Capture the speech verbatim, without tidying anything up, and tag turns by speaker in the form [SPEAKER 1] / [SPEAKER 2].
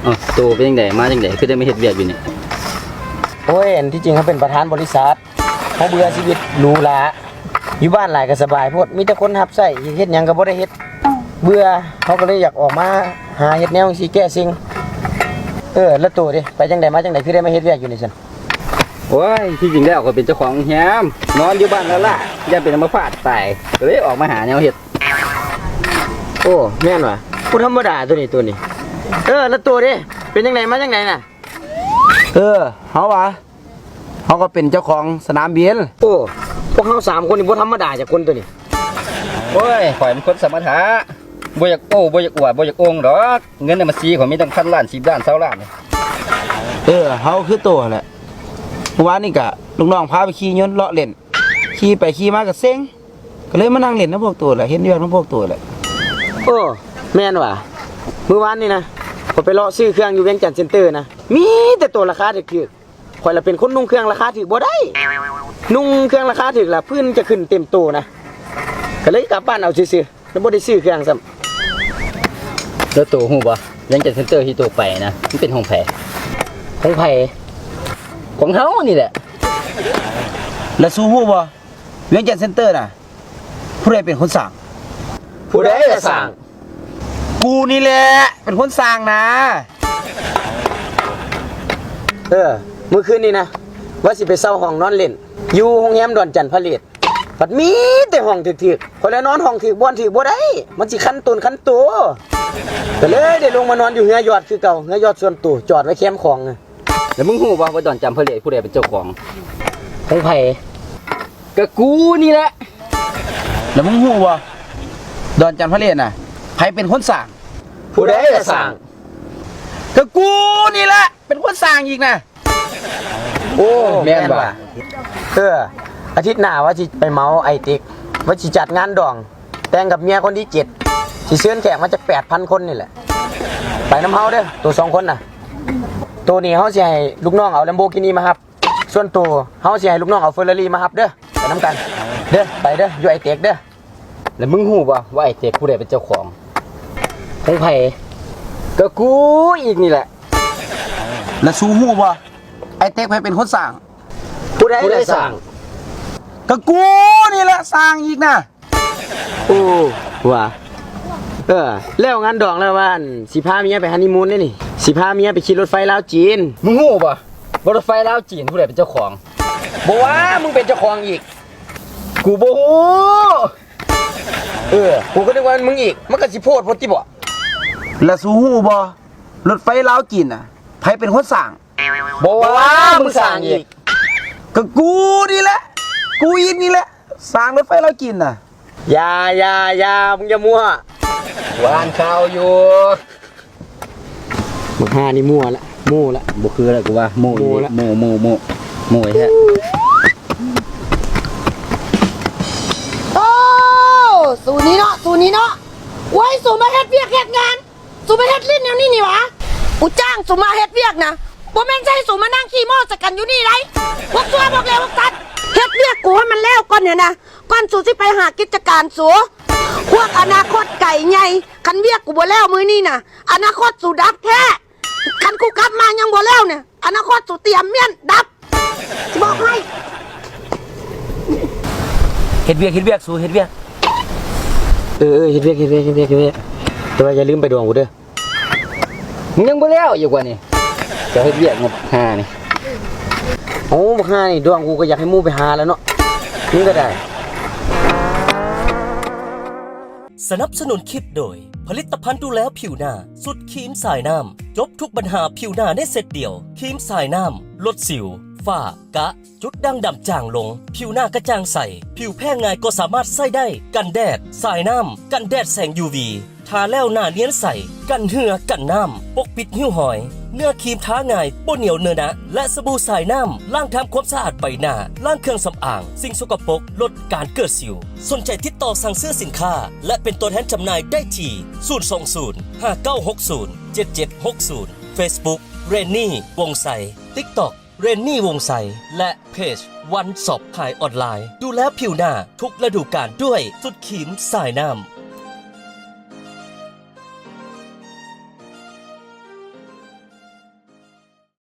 [SPEAKER 1] อ๋อโตเป็นจังไดมาจังไดคือได้มาเฮ็ดเวียกอยู่นี่
[SPEAKER 2] โอ้ยอันที่จริงเขาเป็นประธานบริษัทเขาเบื่อชีวิตหรูหราอยู่บ้านหลายก็สบายโพดมีแต่คนรับใช้เฮ็ดหยังก็บ่ได้เฮ็ดเบื่อเขาก็เลยอยากออกมาหาเฮ็ดแนวสิแก้สิ่งเออแล้วตัวดิไปจังไดมาจังไดคือได้มาเฮ็ดเวียกอยู่นี่ซั่น
[SPEAKER 1] โอ้ยที่จริงแล้วก็เป็นเจ้าของแฮมนอนอยู่บ้านแล้วล่ะอย่าเป็นอัมพาตตายก็เลยออกมาหาแนวเฮ็ด
[SPEAKER 2] โอ้แม่นว่ะผู้ธรรมดาตัวนี้ตัวนี้เออแล้วตัวดิเป็นจังไดมาจังไดน่ะ
[SPEAKER 3] เออเฮาว่าเฮาก็เป็นเจ้าของสนามบิน
[SPEAKER 2] โอ้พวกเฮาสามคนนี่บ่ธรรมดาจากคนตัวนี้
[SPEAKER 1] โอ้ยข่อยเป็นคนสมถะบ่อยากโอ้บ่อยากอวดบ่อยากโองดอกเงินในบัญชีข่อยมีตั้งพันล้านสิบล้านเก้าล้าน
[SPEAKER 3] เออเฮาคือโตแหละเมื่อวานนี่ก็ลูกน้องพาไปขี่ยนต์เลาะเล่นขี่ไปขี่มาก็เซ็งก็เลยมานั่งเล่นนำพวกตัวแหละเห็นเรื่องนำพวกตัวแหละ
[SPEAKER 2] โอ้แม่นว่ะเมื่อวานนี่นะผมไปเลาะซื้อเครื่องอยู่เวียงจันทน์เซ็นเตอร์นะมีแต่ตัวราคาถูกๆข่อยละเป็นคนนุ่งเครื่องราคาถูกบ่ได้นุ่งเครื่องราคาถูกล่ะพื้นจะขึ้นเต็มโตนะก็เลยกลับบ้านเอาซื่อๆแล้วบ่ได้ซื้อเครื่องซ้ำ
[SPEAKER 1] แล้วโตฮู้บ่ยังจัดเซ็นเตอร์ที่โตไปนะมันเป็นห้องแผ
[SPEAKER 2] ของไผ
[SPEAKER 1] ของเฮานี่แหละ
[SPEAKER 3] แล้วสู้ฮู้บ่เวียงจันทน์เซ็นเตอร์น่ะผู้ใดเป็นคนสร้าง
[SPEAKER 2] ผู้ใดจะสร้าง
[SPEAKER 3] กูนี่แหละเป็นคนสร้างนะ
[SPEAKER 2] เออเมื่อคืนนี้นะว่าสิไปเช่าห้องนอนเล่นอยู่โรงแรมดอนจันทร์ผลิตบัดมีแต่ห้องถึกๆคนละนอนห้องถึกบ่อนถึกบ่ได้มันสิคันตนคันตัวก็เลยได้ลงมานอนอยู่เฮือยอดคือเก่าเฮือยอดส่วนตัวจอดไว้แคมป์ของ
[SPEAKER 1] แล้วมึงฮู้บ่ว่าดอนจันทร์ผลิตผู้ใดเป็นเจ้าของ
[SPEAKER 2] ของไผ
[SPEAKER 1] ก็กูนี่แหละ
[SPEAKER 3] แล้วมึงฮู้บ่ดอนจันทร์ผลิตน่ะใครเป็นคนสร้าง
[SPEAKER 2] ผู้ใดจะสร้าง
[SPEAKER 3] ก็กูนี่แหละเป็นคนสร้างอีกนะ
[SPEAKER 2] โอ้แม่นว่ะเอออาทิตย์หน้าว่าสิไปเมาไอติ๊กว่าสิจัดงานดองแต่งกับเมียคนที่เจ็ดสิเชิญแขกมาจาก แปดพัน คนนี่แหละไปน้ำเฮาเด้อตัวสองคนน่ะตัวนี้เฮาสิให้ลูกน้องเอา Lamborghini มาครับส่วนตัวเฮาสิให้ลูกน้องเอา Ferrari มาครับเด้อไปนำกันเด้อไปเด้ออยู่ไอเต็กเด้อ
[SPEAKER 1] แล้วมึงฮู้บ่ว่าไอเต็กผู้ใดเป็นเจ้าของ
[SPEAKER 2] ของไผ
[SPEAKER 1] ก็กูอีกนี่แหละ
[SPEAKER 3] แล้วสู้ฮู้บ่ไอเต็กใครเป็นคนสร้าง
[SPEAKER 2] ผู้ใดจะสร้าง
[SPEAKER 3] ก็กูนี่แหละสร้างอีกนะ
[SPEAKER 2] โอ้ว่ะเออแล้วงานดองแล้วว่าสิพาเมียไปฮันนีมูนได้นี่สิพาเมียไปขี่รถไฟลาวจีน
[SPEAKER 1] มึงฮู้บ่รถไฟลาวจีนผู้ใดเป็นเจ้าของ
[SPEAKER 2] บ่ว่ามึงเป็นเจ้าของอีก
[SPEAKER 1] กูบ่ฮู้
[SPEAKER 2] เออกูก็นึกว่ามึงอีกมันก็สิโพดโพดจิบ่
[SPEAKER 3] แล้วสู้ฮู้บ่รถไฟลาวจีนน่ะใครเป็นคนสร้าง
[SPEAKER 2] บ่ว่ามึงสร้างอีก
[SPEAKER 3] ก็กูนี่แหละกูอีกนี่แหละสร้างรถไฟลาวจีนน่ะ
[SPEAKER 2] อย่าอย่าอย่ามึงอย่ามั่ว
[SPEAKER 1] วานข่าวอยู่
[SPEAKER 2] มึงหานี่มั่วละมั่วละ
[SPEAKER 1] บ่คือแล้วกูว่าโม่ละโม่โม่โม่โม่แท้
[SPEAKER 4] โอ้สูนี้เนาะสูนี้เนาะไว้สูมาเฮ็ดเวียกเฮ็ดงานสูมาเฮ็ดลิ้นแนวนี้นี่หวะกูจ้างสูมาเฮ็ดเวียกนะบ่แม่นใช่สูมานั่งขี้โม้จักกันอยู่นี่ไรพวกตัวบอกแล้วพวกตัดเฮ็ดเวียกกูให้มันแล้วก่อนเนี่ยนะก่อนสูสิไปหากิจการสูพวกอนาคตไก่ใหญ่คันเวียกกูบ่แล้วมื้อนี้น่ะอนาคตสูดับแท้คันกูกลับมายังบ่แล้วเนี่ยอนาคตสูเตรียมเมียนดับสิบอกให้
[SPEAKER 3] เฮ็ดเวียกเฮ็ดเวียกสู้เฮ็ดเวียก
[SPEAKER 2] เออเฮ็ดเวียกเฮ็ดเวียกเฮ็ดเวียกเฮ็ดเวียกแต่ว่าอย่าลืมไปดวงกูเด้อ
[SPEAKER 1] มึงยังบ่แล้วอยู่กว่านี่จะเฮ็ดเวียกงบห้านี่
[SPEAKER 2] โอ้บักห้านี่ดวงกูก็อยากให้มู่ไปหาแล้วเนาะมึงก็ได้
[SPEAKER 5] สนับสนุนคลิปโดยผลิตภัณฑ์ดูแลผิวหน้าสุดครีมสายน้ำจบทุกปัญหาผิวหน้าได้เสร็จเดียวครีมสายน้ำลดสิวฝ้ากระจุดด่างดำจางลงผิวหน้ากระจ่างใสผิวแพ้ง่ายก็สามารถใส่ได้กันแดดสายน้ำกันแดดแสง ยู วี ทาแล้วหน้าเนียนใสกันเหือกันน้ำปกปิดหิ้วหอยเนื้อครีมท้าง่ายบ่เหนียวเนื้อนะและสบู่สายน้ำล้างทำความสะอาดใบหน้าล้างเครื่องสำอางสิ่งสกปรกลดการเกิดสิวสนใจติดต่อสั่งซื้อสินค้าและเป็นตัวแทนจำหน่ายได้ที่ศูนย์ สอง ศูนย์ ห้า เก้า หก ศูนย์ เจ็ด เจ็ด หก ศูนย์ Facebook เรนนี่วงไซ TikTok เรนนี่วงไซและเพจวันสอบขายออนไลน์ดูแลผิวหน้าทุกฤดูกาลด้วยสุดขีมสายน้ำ